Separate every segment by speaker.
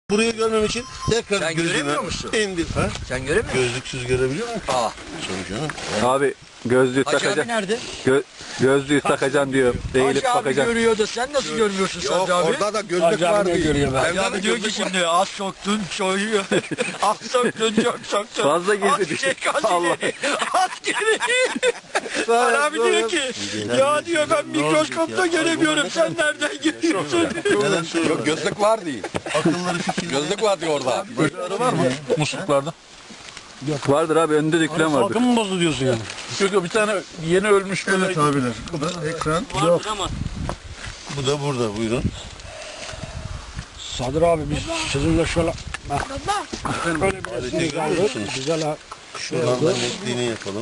Speaker 1: Burayı görmem için tekrar
Speaker 2: Sen
Speaker 1: gözüme
Speaker 2: göremiyor musun?
Speaker 1: indir. Ha?
Speaker 2: Sen göremiyor musun?
Speaker 1: Gözlüksüz görebiliyor musun?
Speaker 2: Aa.
Speaker 1: Canım.
Speaker 3: Abi gözlüğü
Speaker 2: Hacı abi
Speaker 3: takacaksın.
Speaker 2: nerede?
Speaker 3: Gözlüğü takacaksın diyor. Eğilip
Speaker 2: Hacı abi
Speaker 3: bakacaksın.
Speaker 2: görüyor da sen nasıl görmüyorsun
Speaker 4: Yok
Speaker 2: Sadri abi?
Speaker 4: orada da gözlük var diyor.
Speaker 2: görüyor ben.
Speaker 4: Evde
Speaker 2: Hacı
Speaker 4: de
Speaker 2: abi diyor ki
Speaker 4: gözlük var.
Speaker 2: şimdi az soktun soyuyor. Az soktun çok soktun.
Speaker 3: Fazla girdi.
Speaker 2: Az çek az
Speaker 3: Allah.
Speaker 2: ileri. Az geri. Abi diyor ki ya diyor ben mikroskopta göremiyorum sen nereden görüyorsun?
Speaker 1: Neden söylüyorum?
Speaker 4: Yok gözlük var değil.
Speaker 1: Akılları fikirleri.
Speaker 4: Gözlük var diyor orada.
Speaker 1: var mı?
Speaker 5: Musluklarda.
Speaker 3: Vardır abi, önünde dökülen vardır.
Speaker 5: Salkım mı bozdu diyorsun yani? Yok bir tane yeni ölmüş böyle.
Speaker 1: Evet abiler. Bu da ekran.
Speaker 5: Yok.
Speaker 1: Bu da burada, buyurun.
Speaker 5: Sadır abi biz sizinle şöyle öyle bir
Speaker 1: Aleti
Speaker 5: resmimiz
Speaker 1: görüyor
Speaker 5: aldık.
Speaker 1: musunuz?
Speaker 5: Güzel ha.
Speaker 1: Şuradan da netliğini yapalım.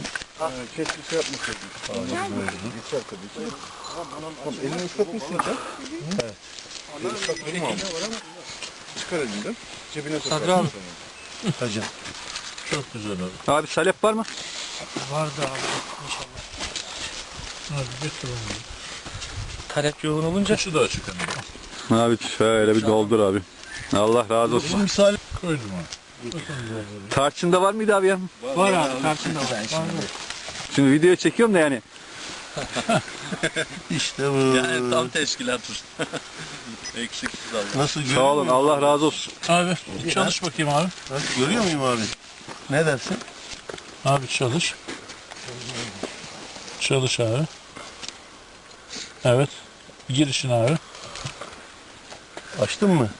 Speaker 2: Sadri abi.
Speaker 1: Hacım.
Speaker 5: Çok güzel abi.
Speaker 3: Abi salep var mı?
Speaker 5: Vardı abi inşallah. Hadi götür onu.
Speaker 2: Talep yoğun olunca.
Speaker 5: Şu da açık hani.
Speaker 3: Abi şöyle bir doldur abi. Allah razı olsun.
Speaker 1: Misal
Speaker 5: Koydum abi.
Speaker 3: Tarçında var mıydı abi ya?
Speaker 5: Var abi karşında var.
Speaker 3: Şimdi video çekiyorum da yani.
Speaker 1: işte bu.
Speaker 6: Yani tam teşkilatız. Eksiksiz Allah.
Speaker 1: Nasıl görüyor
Speaker 3: Sağ olun,
Speaker 1: muyum?
Speaker 3: Allah razı olsun.
Speaker 5: Abi çalış bakayım abi.
Speaker 1: Nasıl görüyor muyum abi? Ne dersin?
Speaker 5: Abi çalış. Çalış abi. Evet. Girişin abi.
Speaker 1: Açtın mı?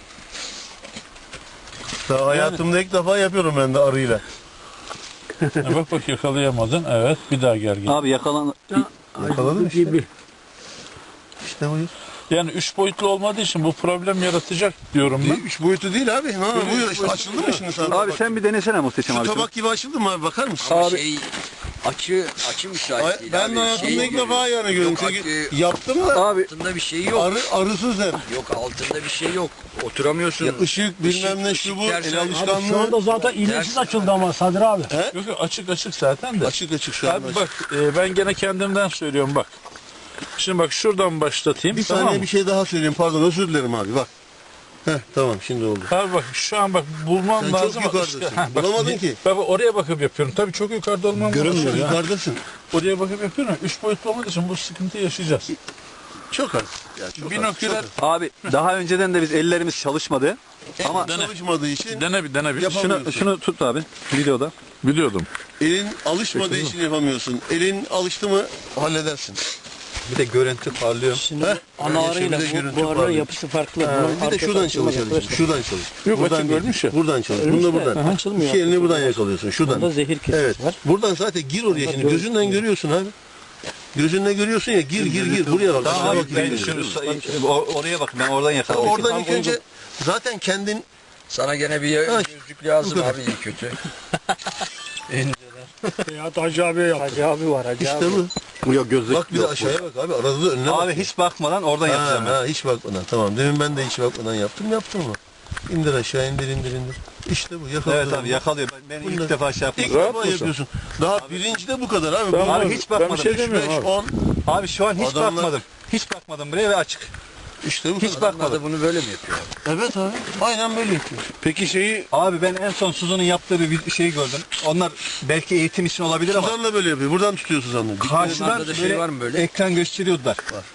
Speaker 1: Daha hayatımda ilk defa yapıyorum ben de arıyla.
Speaker 5: Bak yakalayamadın. Evet. Bir daha gel.
Speaker 3: Abi yakalan...
Speaker 1: Yakaladın işte. İşte buyur.
Speaker 5: Yani 3 boyutlu olmadığı için bu problem yaratacak diyorum ben.
Speaker 1: 3 boyutu değil abi. Ha, buyur işte açıldı mı şimdi sana?
Speaker 3: Abi sen bir denesene Muhteşem
Speaker 1: Şu
Speaker 3: abi.
Speaker 1: tabak gibi açıldı mı abi, bakar mısın?
Speaker 2: Ama şey açı müsait değil
Speaker 1: Ben
Speaker 2: abi.
Speaker 1: de hayatımda
Speaker 2: Şey
Speaker 1: ilk defa yani gördüm.
Speaker 2: Yok,
Speaker 1: Çünkü yaptım da
Speaker 3: Abi
Speaker 2: altında bir şey yok.
Speaker 1: arısız hep.
Speaker 2: Yok altında bir şey yok. Oturamıyorsun.
Speaker 1: Işık bilmem ne şu bu.
Speaker 2: ışık
Speaker 1: El
Speaker 2: dersen-
Speaker 1: alışkanlığı.
Speaker 5: zaten iğnesiz açıldı ama Sadır abi. Yok açık zaten de.
Speaker 1: Açık şu an.
Speaker 5: Abi bak ben gene kendimden söylüyorum bak. Şimdi bak şuradan başlatayım.
Speaker 1: Bir
Speaker 5: tamam
Speaker 1: saniye
Speaker 5: mı?
Speaker 1: bir şey daha söyleyeyim. Pardon, özür dilerim abi, bak. Tamam şimdi oldu.
Speaker 5: Abi bak şu an bak bulmam
Speaker 1: Sen çok
Speaker 5: lazım.
Speaker 1: yukarıdasın.
Speaker 5: Bak,
Speaker 1: Bulamadın ki.
Speaker 5: Bak oraya bakıp yapıyorum. Tabii çok yukarıda olmam
Speaker 1: Görünmüyor
Speaker 5: lazım.
Speaker 1: yukarıdasın.
Speaker 5: Oraya bakıp yapıyorum. 3 boyutlu olmadığı için bu sıkıntıyı yaşayacağız.
Speaker 1: Çok az. Ya, çok
Speaker 5: Binoküler
Speaker 3: abi daha önceden de biz ellerimiz çalışmadı.
Speaker 1: ama çalışmadığı için
Speaker 5: dene bir.
Speaker 1: Yapamıyorum.
Speaker 3: Şunu tut abi videoda.
Speaker 5: Biliyordum.
Speaker 1: elin alışmadığı için yapamıyorsun. Elin alıştı mı halledersin.
Speaker 3: Bir de görüntü parlıyor.
Speaker 1: Şimdi
Speaker 7: Ana arıyla bu arının yapısı farklı. Bunun
Speaker 1: bir de şuradan çalışalım. Şuradan çalış.
Speaker 5: Yok,
Speaker 1: buradan
Speaker 5: açık
Speaker 1: değil.
Speaker 5: ölmüş ya.
Speaker 1: Buradan çalış. Bunu da buradan.
Speaker 7: Açılmıyor.
Speaker 1: İki elini buradan yakalıyorsun. Şuradan.
Speaker 7: Bunda zehir kesesi
Speaker 1: Evet.
Speaker 7: var.
Speaker 1: Buradan zaten gir oraya şimdi. Gözünden görüyorsun abi. Gözünle görüyorsun ya, gir. Buraya bak.
Speaker 3: Tamam
Speaker 1: aşağı
Speaker 3: abi
Speaker 1: bak,
Speaker 3: ben
Speaker 1: gir.
Speaker 3: oraya bak, ben oradan yakaladım.
Speaker 1: Oradan ilk önce zaten kendin
Speaker 2: Sana gene bir gözlük lazım
Speaker 1: bu kadar.
Speaker 2: abi iyi kötü.
Speaker 5: Ya Hacı abiye yap.
Speaker 7: Hacı abi var Hacı
Speaker 1: işte
Speaker 7: abi.
Speaker 1: bu.
Speaker 3: Yok gözlük
Speaker 1: Bak bir de
Speaker 3: yok
Speaker 1: aşağıya bak abi. Arada da önüne bak.
Speaker 3: Abi hiç bakmadan oradan yapacağım ben.
Speaker 1: Hiç bakmadan. Tamam. Demin ben de hiç bakmadan yaptım ama. İndir aşağı, indir. İşte bu. Yakaladı.
Speaker 3: Evet abi yakalıyor. Ben
Speaker 1: Bunda-
Speaker 3: ilk defa şey
Speaker 1: İlk
Speaker 3: yapmadım.
Speaker 1: defa yapıyorsun. Daha birinci de bu kadar abi.
Speaker 3: Abi hiç bakmadım.
Speaker 5: Ben bir şey demiyorum
Speaker 1: 5,
Speaker 5: abi.
Speaker 1: 10.
Speaker 3: Abi şu an hiç
Speaker 1: Adamlar-
Speaker 3: bakmadım. Hiç bakmadım buraya ve açık.
Speaker 1: İşte bu
Speaker 3: Hiç
Speaker 1: kadar.
Speaker 2: Onlar da bunu böyle mi yapıyor?
Speaker 1: Evet abi. Aynen böyle yapıyor.
Speaker 5: Peki şeyi
Speaker 3: Abi ben en son Suzan'ın yaptığı bir şey gördüm. Onlar belki eğitim için olabilir ama
Speaker 1: Suzan da böyle yapıyor. Buradan tutuyor Suzan'la.
Speaker 3: karşıdan
Speaker 2: Onlarda da şey
Speaker 3: böyle
Speaker 2: var mı böyle?
Speaker 3: ekran gösteriyordular.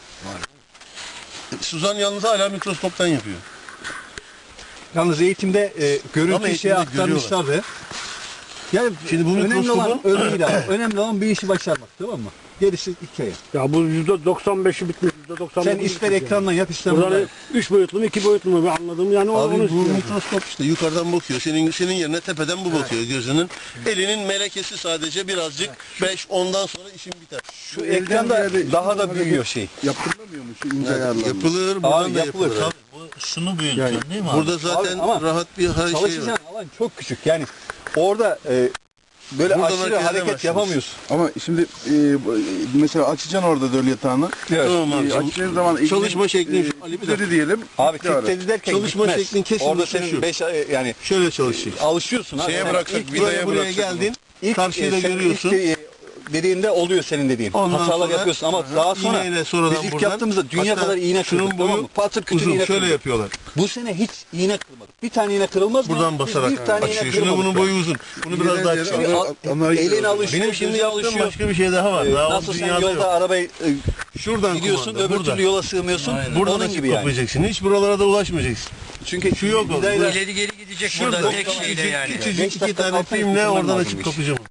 Speaker 1: Suzan yalnız hala mikroskoptan yapıyor.
Speaker 3: Yalnız eğitimde
Speaker 1: Ama
Speaker 3: görüntü
Speaker 1: eğitimde
Speaker 3: şeye aktarmışlardı. Yani
Speaker 1: Şimdi bu
Speaker 3: önemli olan
Speaker 1: mikroskopun-
Speaker 3: öyle değil abi. Önemli olan bir işi başarmak, tamam mı? Gerisi hikaye.
Speaker 5: ya bu %95'i bitmiş. %99'u
Speaker 3: Sen ister ekrandan yap ister buradan.
Speaker 5: Buradan 3 boyutlu mu 2 boyutlu mu ben anladım yani onu
Speaker 1: Abi bu
Speaker 5: istiyorum.
Speaker 1: mikroskop işte yukarıdan bakıyor. Senin yerine tepeden bu bakıyor gözünün. Elinin melekesi sadece birazcık 5-10'dan sonra işin biter.
Speaker 3: Şu ekranda daha da büyüyor şey.
Speaker 4: Yaptırılamıyor mu şu ince ayarlarla?
Speaker 1: Yapılır, buradan
Speaker 3: Abi
Speaker 1: da
Speaker 3: yapılır.
Speaker 1: yapılır.
Speaker 3: Tabii.
Speaker 6: Şunu büyütüyorsun değil mi abi?
Speaker 1: Burada zaten
Speaker 3: Abi ama
Speaker 1: rahat bir şey var.
Speaker 3: Çalışacağın alan çok küçük. Yani orada böyle
Speaker 1: Buradan
Speaker 3: aşırı
Speaker 1: hareket
Speaker 3: hareket
Speaker 1: edemezsiniz.
Speaker 3: yapamıyorsun.
Speaker 4: Ama şimdi mesela açacaksın orada döl yatağını.
Speaker 3: Evet.
Speaker 1: Tamam abi.
Speaker 4: Açtığın zaman
Speaker 1: Çalışma şeklin Ali bir dakika.
Speaker 4: diyelim.
Speaker 3: Abi
Speaker 4: bitti ara.
Speaker 3: kitledi derken
Speaker 1: Çalışma
Speaker 3: gitmez.
Speaker 1: şeklin kesin
Speaker 3: Orada
Speaker 1: dışı
Speaker 3: senin
Speaker 1: şu.
Speaker 3: 5 yani
Speaker 1: Şöyle çalışacak.
Speaker 3: alışıyorsun abi.
Speaker 4: Şeye
Speaker 3: Yani
Speaker 4: bıraksak,
Speaker 1: İlk
Speaker 4: vidaya
Speaker 1: buraya
Speaker 4: bıraksak.
Speaker 1: geldin.
Speaker 3: ilk,
Speaker 1: karşıyı da
Speaker 3: sen
Speaker 1: görüyorsun.
Speaker 3: ilk, dediğinde oluyor senin dediğin.
Speaker 1: Ondan
Speaker 3: Hatalar
Speaker 1: sonra-
Speaker 3: yapıyorsun ama daha sonra
Speaker 1: İğneyle sonradan
Speaker 3: biz ilk
Speaker 1: buradan-
Speaker 3: yaptığımızda dünya
Speaker 1: Hatta
Speaker 3: kadar iğne
Speaker 1: şunun
Speaker 3: kırdık, tamam mı? Patır kütür
Speaker 1: uzun
Speaker 3: iğne
Speaker 1: şöyle
Speaker 3: kırdık.
Speaker 1: yapıyorlar.
Speaker 3: Bu sene hiç iğne kırmadık. Bir tane iğne kırılmaz mı?
Speaker 1: Buradan
Speaker 3: Biz
Speaker 1: basarak
Speaker 3: bir tane iğne
Speaker 1: açıyor. Şimdi
Speaker 3: kırmadık.
Speaker 1: bunun boyu uzun. Bunu biraz daha kısa.
Speaker 3: Elin alışıyor,
Speaker 1: Benim şimdi
Speaker 3: gözün
Speaker 1: yaptığım
Speaker 3: alışıyor.
Speaker 1: başka bir şey daha var. Daha
Speaker 3: Nasıl
Speaker 1: o
Speaker 3: sen
Speaker 1: dünyada
Speaker 3: yolda
Speaker 1: yok.
Speaker 3: arabayı
Speaker 1: Şuradan
Speaker 3: gidiyorsun,
Speaker 1: kumanda,
Speaker 3: öbür
Speaker 1: burada.
Speaker 3: türlü yola sığmıyorsun.
Speaker 1: Buradan
Speaker 3: Onun
Speaker 1: açıp
Speaker 3: gibi yani.
Speaker 1: kapayacaksın. Hiç buralara da ulaşmayacaksın.
Speaker 3: Çünkü
Speaker 1: Şu yok oldu.
Speaker 3: vidayla
Speaker 2: İleri geri gidecek
Speaker 1: Şurada
Speaker 2: burada tek şeyle yani.
Speaker 1: küçücük
Speaker 3: 5
Speaker 1: iki
Speaker 3: dakika
Speaker 1: tane
Speaker 3: kalksan
Speaker 1: filmle
Speaker 3: bitirmen
Speaker 1: oradan
Speaker 3: lazım
Speaker 1: açıp
Speaker 3: iş.
Speaker 1: kapayacağım.